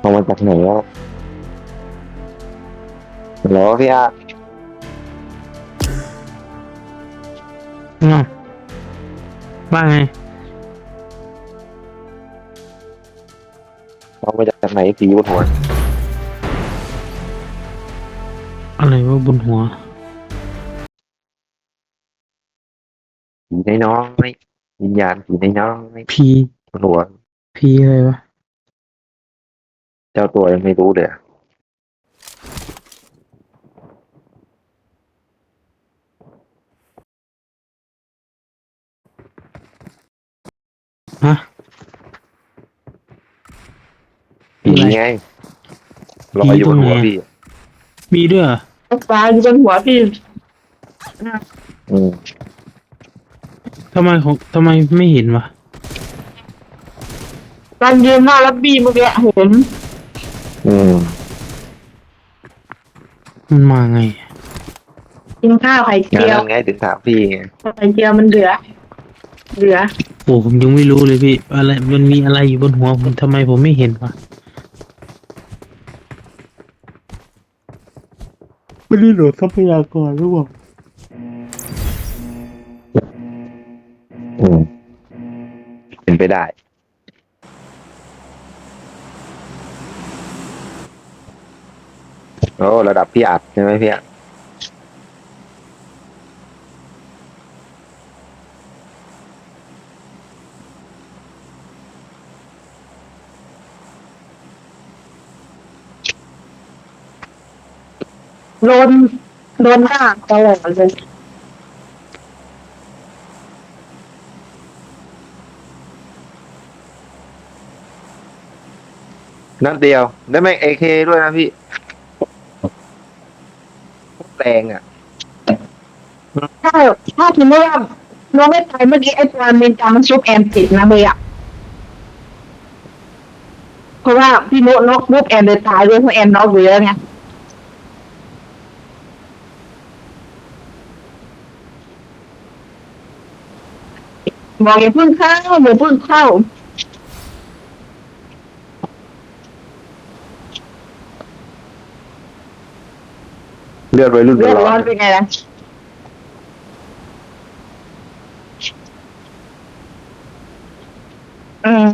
เอามาจากไหนวะเหรอพี่อาอ้าวว่าไงเอามาจากไหนสีบนหัวอะไรว่าบนหัวสีในน้องไม่วิญญาณสีในน้องไม่พีบนหัวพีอะไรวะเจ้าตัวยังไม่รู้เลยอะฮะผีอะไรไงลอพียอยู่ตรงไหนอะบนหัวพี่มีด้วยเหรอปลาอยู่บนหัวพี่อืมทำไมไม่เห็นวะตอนยืนหน้ารับบี้เมื่อกี้เห็นอืมมันมาไงกินข้าวไข่งานเจียวนั้นไงถึงถามพี่ไงไข่เจียวมันเหลือโอ้ผมยังไม่รู้เลยพี่อะไรมันมีอะไรอยู่บนหัวผมทำไมผมไม่เห็นวะไม่ได้โหลดทรัพยากรหรือเปล่าอืมเป็นไปได้โอ้ระดับพี่อัดใช่ไหมพี่อัดโดนโดนด่าตลอดเลยนัดเดียวได้แม็กเอเคด้วยนะพี่แรงอ่ะถ้าทีนี้ว่าน้องไม่ตายเมื่อกี้ไอ้ปลาเมนจามันซุปแอมติดนะเบย์อะเพราะว่าพี่โนนกมุกแอมเลยตายด้วยเพราะแอมน็อกเยอะไงบอกอย่าเพิ่งเข้าอย่าเพิ่งเข้าเลือดวัยรุ่นเลือดร้อร้อนนเป็นไงล่ะอืม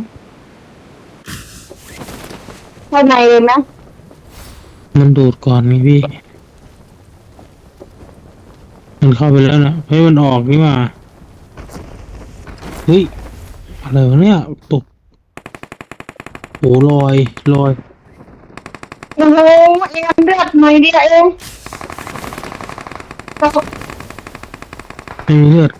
ข้างในเลยนะมันดูดก่อนไงพี่มันเข้าไปแล้วนะเฮ้ยมันออกนี่มาเฮ้ยอะไรวะเนี่ยตกโอ้ลอยโอ้โหเอ็มเลือดหน่อยเดียวเองไม่มีเลือด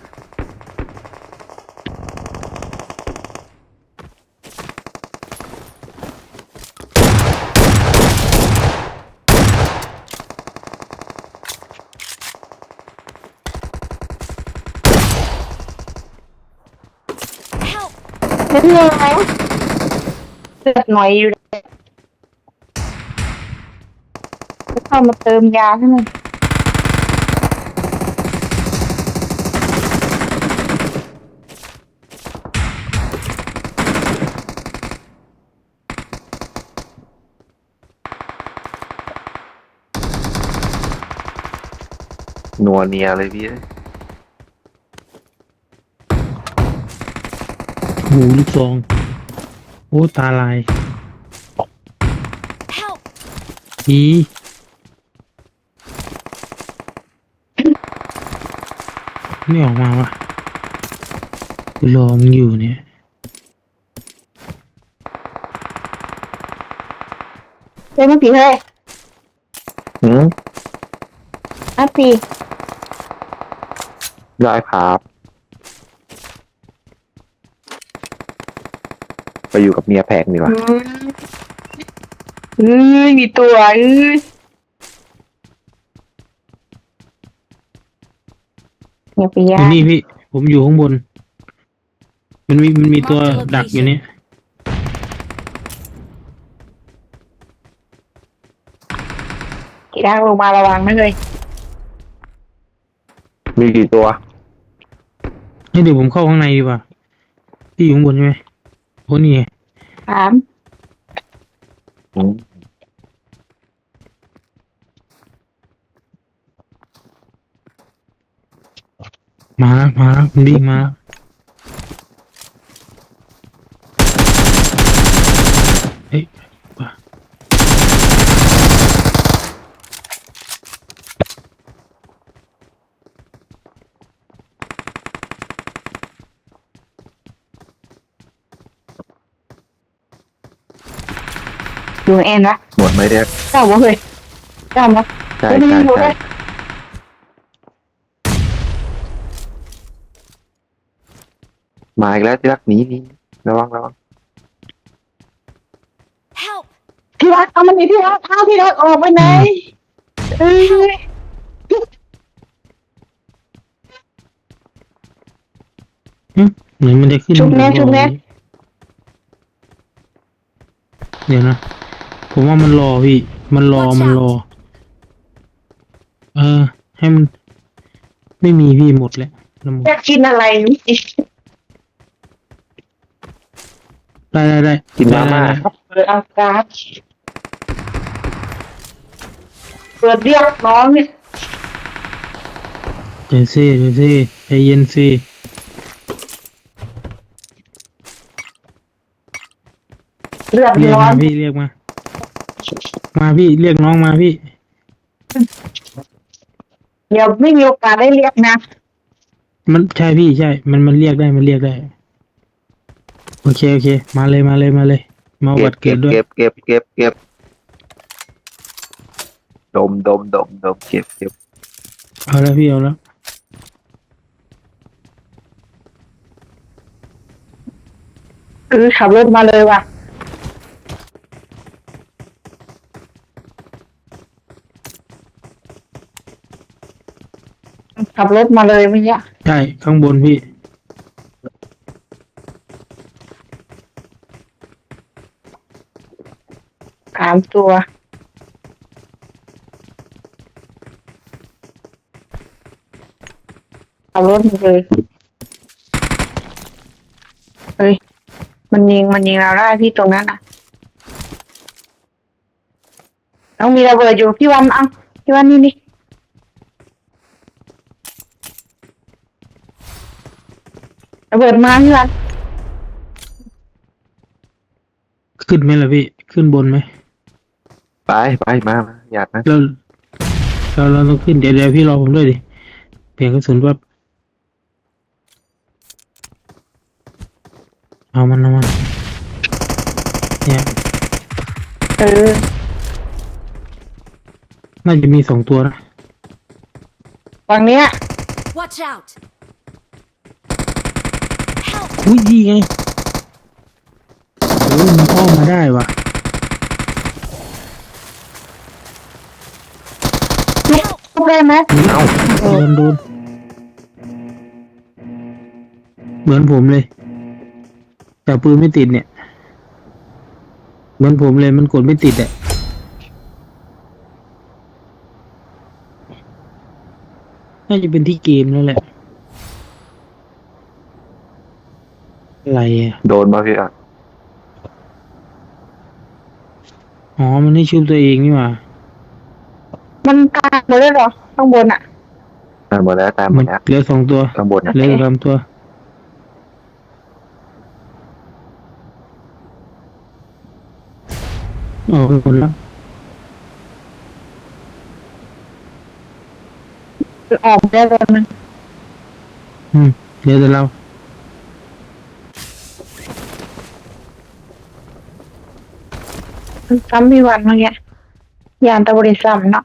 นิดนึงไหมเลือดหน่อยอยู่จะเข้ามาเติมยาให้มันนัวเนียเลยพี่หูลูกซองโอ้ตาลายอีไม่ออกมาวะกูรอมึงอยู่เนี่ยเฮ้ยมันผีเฮ้ยอืมอ่ะผีได้ครับไปอยู่กับเมียแพงดีกว่ามีตัวอย่าไปยาอยู่นี่พี่ผมอยู่ข้างบนมันมีตัวดักอยู่เนี่ยกี่ดังลงมาระวังนะเลยมีกี่ตัวให้เดี๋ยวผมเข้าข้างในดีกว่าพี่อยู่ข้างบนใช่ไหมโอ้นี่ไงถามอืมมาแล้วคุณดีมาเฮ้ยป่ะอยู่เอ็นนะหมดไหมเนี่ยเจ้าบ่เฮ้ยเจ้ามาใช่ไม่ใช่อยู่ใช่เลยมาอีกแล้วที่รักหนีระวัง Help! ที่รักเอามันนี่ที่รักเอาที่รักออกไปไหนเอ้ยเหมือนมันจะขึ้นชุบแน่ข้างบชุบแน่เดี๋ยวนะผมว่ามันรอพี่มันรอ Watch มันรอ out ให้มันไม่มีพี่หมดแล้วน้ำหมดอยากกินอะไรนี่ได้กินมาม่าได้ครับเปิดอากาศเปิดเรียกน้องเนี่ยเดี๋ยวสิใจเย็นสิเลือดเรียกร้อมาน พี่เรียกมาพี่เรียกน้องมาพี่เดี๋ยวไม่มีโอกาสได้เรียกนะมันใช่พี่ใช่ มันเรียกได้โอเคมาเลยมาบัตรเกิเก็ดบด้วยเก็บดมเก็บเอาแล้วพี่เอาแล้วขับรถมาเลยว่ะขับรถมาเลยเมื่อกี้ใช่ข้างบนพี่ 3 ตัวขับรถมาเลยเฮ้ยมันยิงเราได้พี่ตรงนั้นอ่ะต้องมีระเบิดอยู่พี่วันเอาพี่วันนี่ระเบิดมาพี่วันขึ้นไหมล่ะพี่ขึ้นบนไหมไปมาอยากนะเราต้องขึ้นเดี๋ยวพี่รอผมด้วยดิเปลี่ยนกระสุนแป๊บเอามันเนี่ยเออน่าจะมี2 ตัวนะฝั่งเนี้ย Watch out! Help! อุ้ยดีไงโอ้ยมันเข้ามาได้ว่ะทุบได้ไหมเอ้าโดนเหมือนผมเลย แต่ปืนไม่ติดเนี่ย เหมือนผมเลยมันกดไม่ติดอ่ะน่าจะเป็นที่เกมแล้วแหละอะไรอ่ะโดนมาพี่อ่ะอ๋อมันให้ชุบตัวเองนี่หว่ามันตายหมดเลยเหรอข้างบนอ่ะตามหมดแล้วมันเหลือ2 ตัวข้างบนนะเหลือ3 ตัวออกไปหมดแล้วออกได้แล้วนึงเหลือแต่เราซ้ำพี่วันเมื่อกี้ยานตะบริซ้ำเนาะ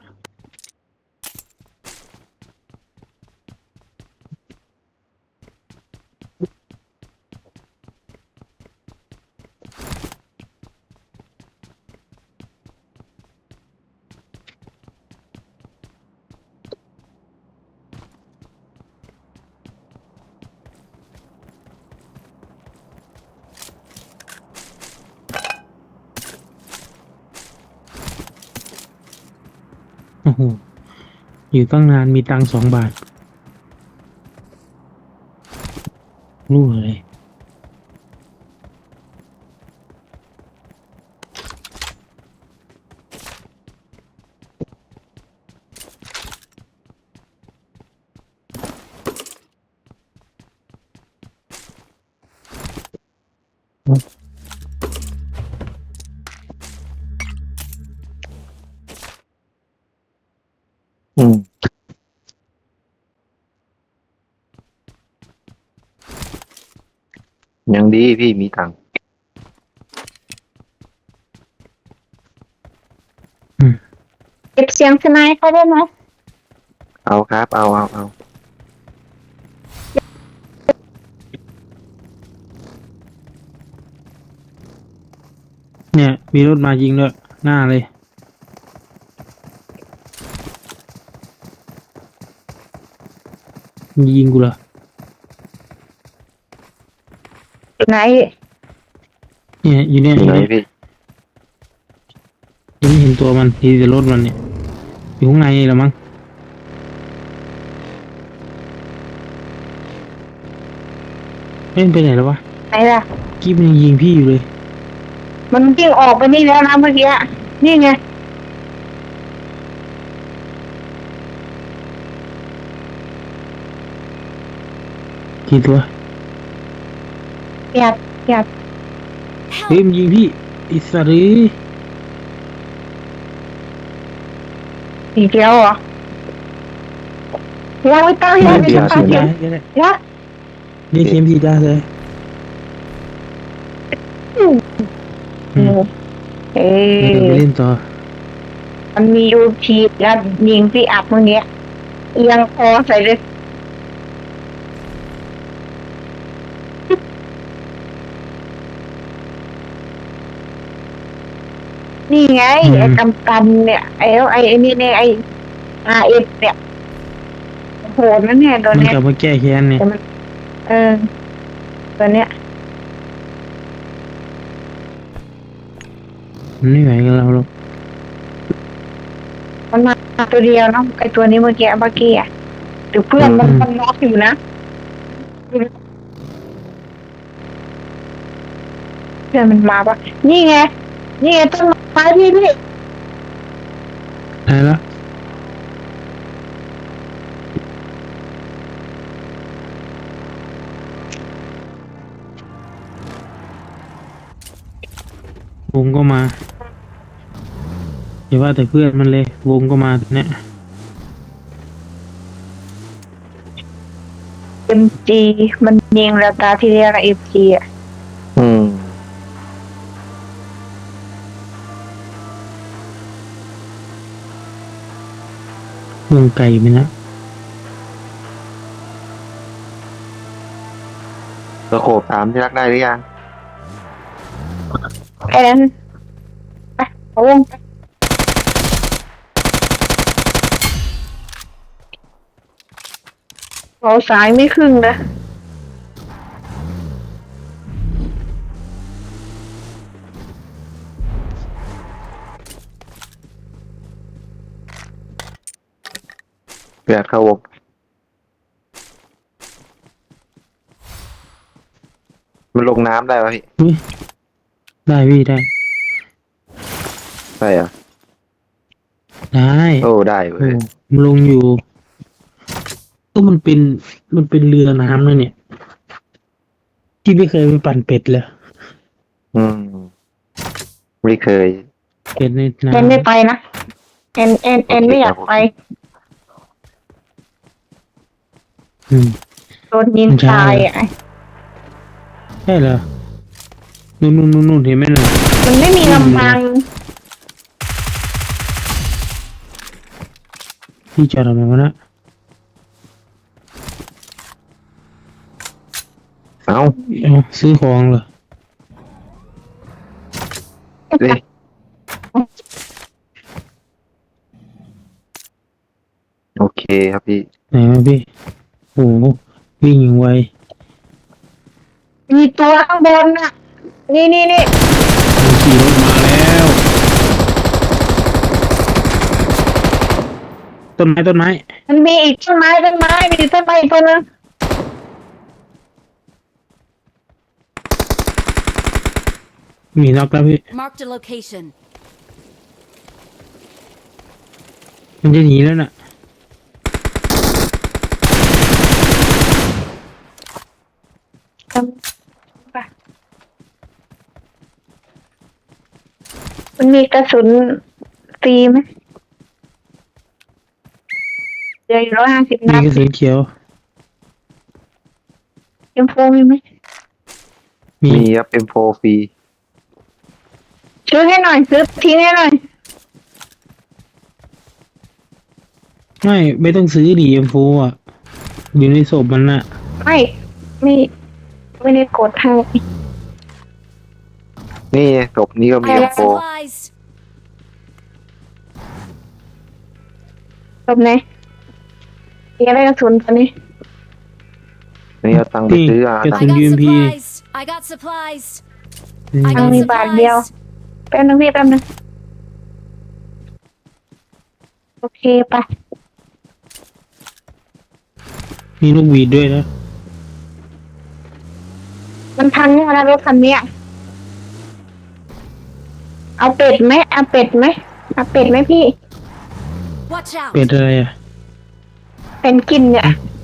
โอ้โหอยู่ตั้งนานมีตังค์2 บาทรู้เลยอืมยังดีพี่มีตังค์เก็บเสียงสไนเขาได้ไหมเอาครับ เอาเนี่ยมีรถมายิงด้วยหน้าเลยมันยิงกูเหรอไหนเนี่ยอยู่เนี่ยออยู่ ยู่ไหนเนี่ยพี่ยังไม่เห็นตัวมันทีแต่รถมันเนี่ยอยู่ข้างในนี่แหละมั้งเล่นไปไหนแล้ววะไหนล่ะกิ๊บมันยังยิงพี่อยู่เลยมันวิ่งออกไปนี่แล้วนะเมื่อกี้อะนี่ไงกี่ตัวเกียบเกียบเฮ้ย Help! มันยิงพี่อิสรีสีเขียวเหรอยังไม่ต้องยังไม่เสียต้องฉีดยัยาง ให้ก็ได้ยังนี่เข็มฉีดยาเลย อืมเอเดี๋ยวไปอเล่นต่อมันมียูทีแล้วยิงพี่อัดเมื่อกี้เอียงคอใส่เลยนี่ไงไอ้กำกันเนี่ยไอ้นี่เนี่ยไอ้RFเนี่ยโหดนะเนี่ยตัวมันเนี้ยกลับมาแก้แค้นเนี่ยแต่มันตัวเนี้ยมันไม่ไหวกับเราหรอกมันมาตัวเดียวเนาะไอ้ตัวนี้เมื่อกี้อ่ะหรือเพื่อนมันน็อกอยู่นะเพื่อนมันมาปะนี่ไงต้นไม้พี่ได้ละวงก็มาอย่าว่าแต่เพื่อนมันเลยวงก็มาเนี่ย MG มันยิงเราตาที่เรียก MG อ่ะอืมวงไก่ไหมนะสโคปถามที่รักได้หรือยังแค่นั้นไปเอาวงไปเราสายไม่ครึ่งนะเปลี่ยนเข้าวงมันลงน้ำได้ปะพี่อุ๊ยได้พี่ได้ได้เหรอได้โอ้ได้เว้โอ้ยมันลงอยู่ก็มันเป็นเรือน้ำนะเนี่ยที่ไม่เคยไปปั่นเป็ดเลยอืมไม่เคยเป็ดในเอ็นน้ำไม่ไปนะเอ็นไม่อยากไปอืมโดนยิงใช่ตายอ่ะใช่เหรอนู่นเห็นไหมน่ะมันไม่มีลำพังพี่จอดทำไมวะนะเอ้าเอาซื้อของเหรอเลยโอเคครับพี่ไหนมาพี่โอ้โหวิ่งอย่างไวมีตัวข้างบนน่ะ นี่มันขี่รถมาแล้ว ต้นไม้มันมีอีกต้นไม้มีต้นไม้อีกตัวนึงมีน็อกแล้วพี่ Marked a location. มันจะหนีแล้วน่ะมันมีกระสุนฟรีไหมเดี๋ยว150 มีนัดกระสุนเขียว M4มีไหมมีมีครับ M4 ฟรีซื้อให้หน่อยซื้อทิ้งให้หน่อยไม่ต้องซื้อดีเอ็มโฟอ่ะอยู่ในศพมันน่ะไม่ไม่ได้กดให้นี่ศพนี้ก็มีไป I แล้ว M4 got supplies. จบไหนมีอะไรกระสุนตอนนี้นี่เอาตังค์ไปซื้อกระ I สุน got UMP supplies. I got supplies. I ตัง got ค์มีบาทเดียว supplies. แป๊บนึงพี่แป๊บนึงโอเคไปมีลูกหวีดด้วยนะมันพังเนี่ยนะรถคันเนี้ยเอาเป็ดไหมเอาเป็ดไหมเอาเป็ดไหมพี่ Watch out. เป็ดอะไรอ่ะเป็นกินเนี่ย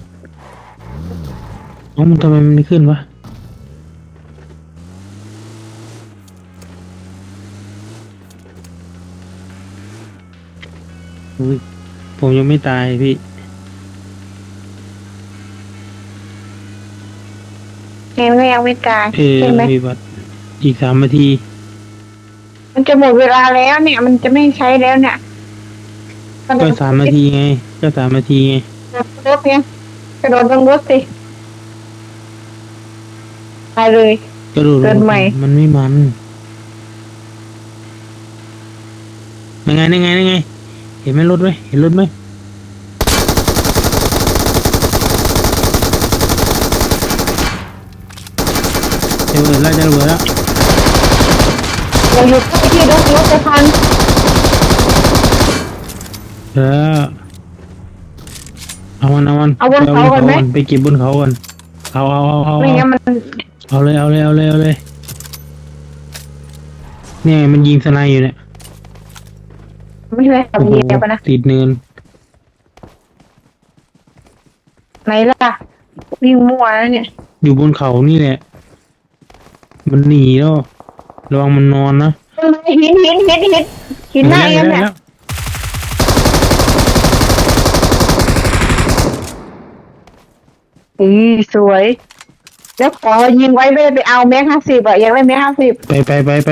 อ๋อมันทำไมมันไม่ขึ้นวะอุ๊ยผมยังไม่ตายพี่แกก็ยังไม่ตายใช่ไหมมีบัตรอีก3 นาทีมันจะหมดเวลาแล้วเนี่ย มันจะไม่ใช้แล้วเนี่ยก็3 นาทีไง ก็3 นาทีไงรถเนี่ยกระโดดลงรถสิไปเลยก็ดูเกินใหม่มันไม่มันยังไงเห็นไหมรถไหมเห็นรถไหมจะระเบิดแล้วเราหยุดที่รถจะพังเออเอามันเอาบนเขาก่อนไหมไปเก็บบนเขาก่อนเอาไม่งั้นมันเอาเลยเนี่ยมันยิงสไนอยู่เนี่ยไม่ใช่ขับโอ้โหเหยียบอะนะติดเนินไหนล่ะวิ่งมั่วแล้วเนี่ยอยู่บนเขานี่แหละ มันหนีแล้วระวังมันนอนนะหินหน้าเองเนี่ยแล้วสวย แล้วขอยิงไว้ไม่ได้ไปเอาแม็ก50อะอยากได้แม็ก50 ไป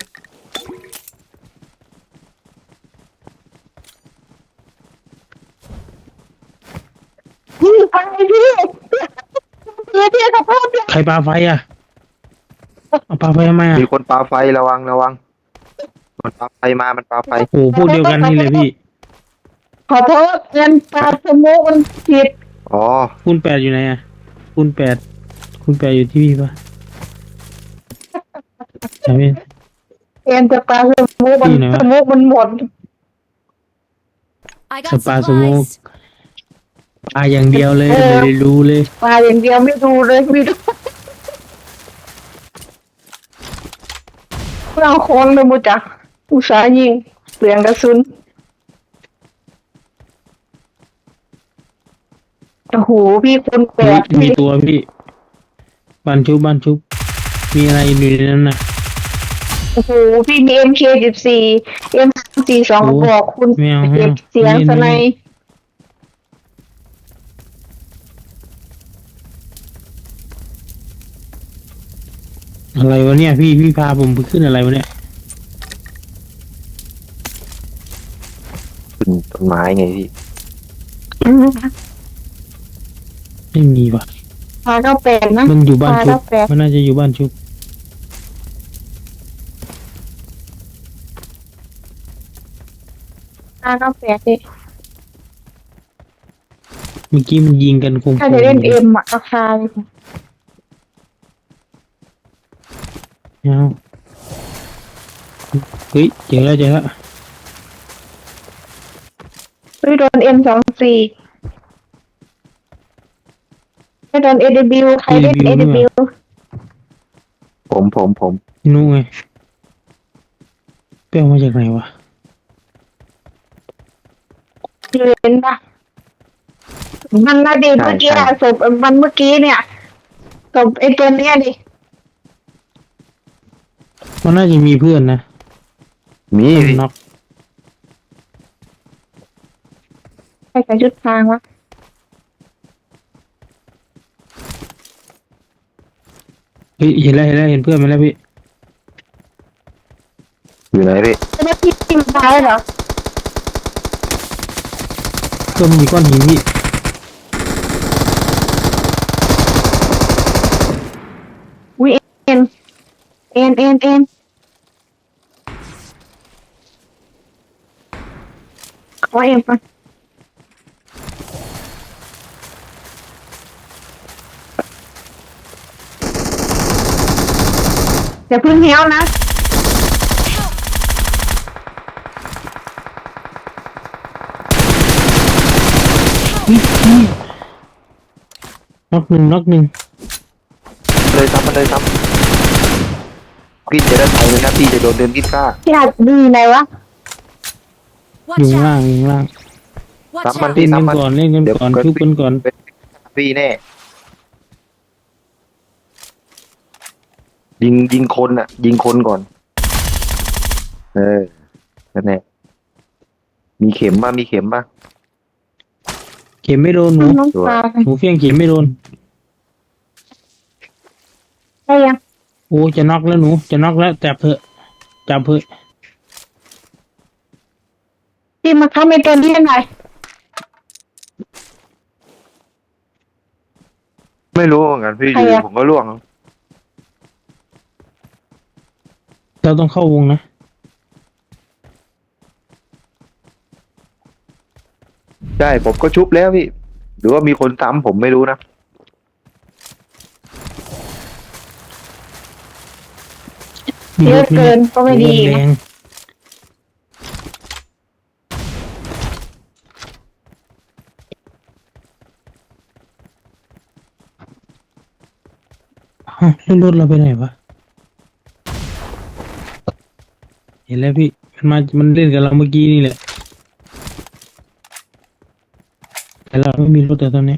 ยิงไปพี่พี่ขอโทษพี่ใครปาไฟอ่ะเอาปาไฟทำไมอ่ะมีคนปาไฟระวังมันปาไฟมามันปาไฟโอ้พวกเดียวกันนี่เลยพี่ขอโทษเงินปลาสมุกมันผิดอ๋อคูณ 8อยู่ไหนอ่ะคูณ 8อยู่ที่พี่ปะใช่ไหมเงินจะปลาสมุกมันที่ไหนวะสมุกมันหมด I got Supplies. supplies. ปาอย่างเดียวเลยไม่ได้รู้เลยปลาอย่างเดียวไม่ดูเลยไม่ดูเราโค้งเลยมูจักอุตสาห์ยิงเปลืองกระสุนโอ้โหพี่คนแปดมีตัวพี่บ้านชุบมีอะไรอยู่ในนั้นน่ะโอ้โหพี่มี MK14 M42 กระบอกคุณไม่เอาเก็บเสียงนี่สไนยอะไรวะเนี่ยพี่พาผมไปขึ้นอะไรวะเนี่ยขึ้นต้นไม้ไงพี่ไม่มีว่ะพาเข้าแปดนะมันอยู่บ้านพาชุเข้าบแปดมันน่าจะอยู่บ้านชุบพาเข้าแปดดิเมื่อกี้มันยิงกันคงถ้าจะเล่นเอ็มอะราคาเลยเอาเฮ้ยเจอแล้วไม่โดน M24ไม่โดน AW ใครเล่น AW ผมนู่นไงไปเอามาจากไหนวะเห็นปะมันนาดีเมื่อกี้อะศพมันเมื่อกี้เนี่ยศพไอ้ตัวเนี้ยดิมันน่าจะมีเพื่อนนะมีพี่น็อกใครใส่ชุดพรางวะเฮ้ยเห็นแล้วเห็นเพื่อนมาแล้วพี่อยู่ไหนพี่เจ้าหน้าที่ทีมตายเหรอก็มีก้อนหินพี่อุ้ยเอ็นขอเอ็นก่อนอย่าเพึ่งเหี้ยวนะน็อกหนึ่งเลยซ้ำมันเลยซ้ำพี่จะได้ไปเลยนะพี่จะโดนเดินพิษฆ่าพี่อาจดูไหนวะอยู่ Watch ข้างล่าง out! อยู่ข้างล่าง Watch Someone out! พี่เล่นซ้ำกันมันก่อนเล่นกันก่อนเดี๋ยวชุบกันก่อนพี่แน่ยิงคนอ่ะ ยิงคนก่อน นั่นแหละมีเข็มป่ะมีเข็มป่ะเข็มไม่โดนหนูน้องปลาหนูเฟี้ยงเข็มไม่โดนได้ยังโอ้จะน็อกแล้วหนูจะน็อกแล้วจับเถอะพี่มาทำในตัวนี้หน่อยไม่รู้เหมือนกันพี่ใครอยู่อะผมก็ล่วงเราต้องเข้าวงนะใช่ผมก็ชุบแล้วพี่ หรือว่ามีคนซ้ำผมไม่รู้นะเยอะเกินก็ไม่ดีแรนะงอ้าวแล้วรถเราไปไหนวะเห็นแล้วพี่มันเล่นกับเราเมื่อกี้นี่แหละแต่เราไม่มีรถแต่ตอนนี้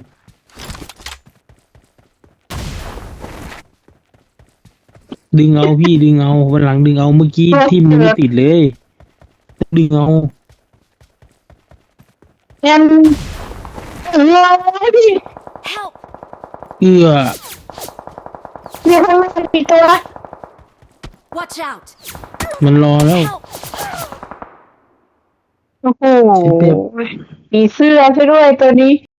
ดึงเอาพี่ดึงเอาวันหลังดึงเอาเมื่อกี้ที่มันไม่ติดเลยดึงเอางั้นพี่ Help! เอื้อมีข้างล่างกี่ตัว Watch out! มันรอแล้ว Help! โอ้โหเสียเปรียบมีเสื้อซะด้วยตัวนี้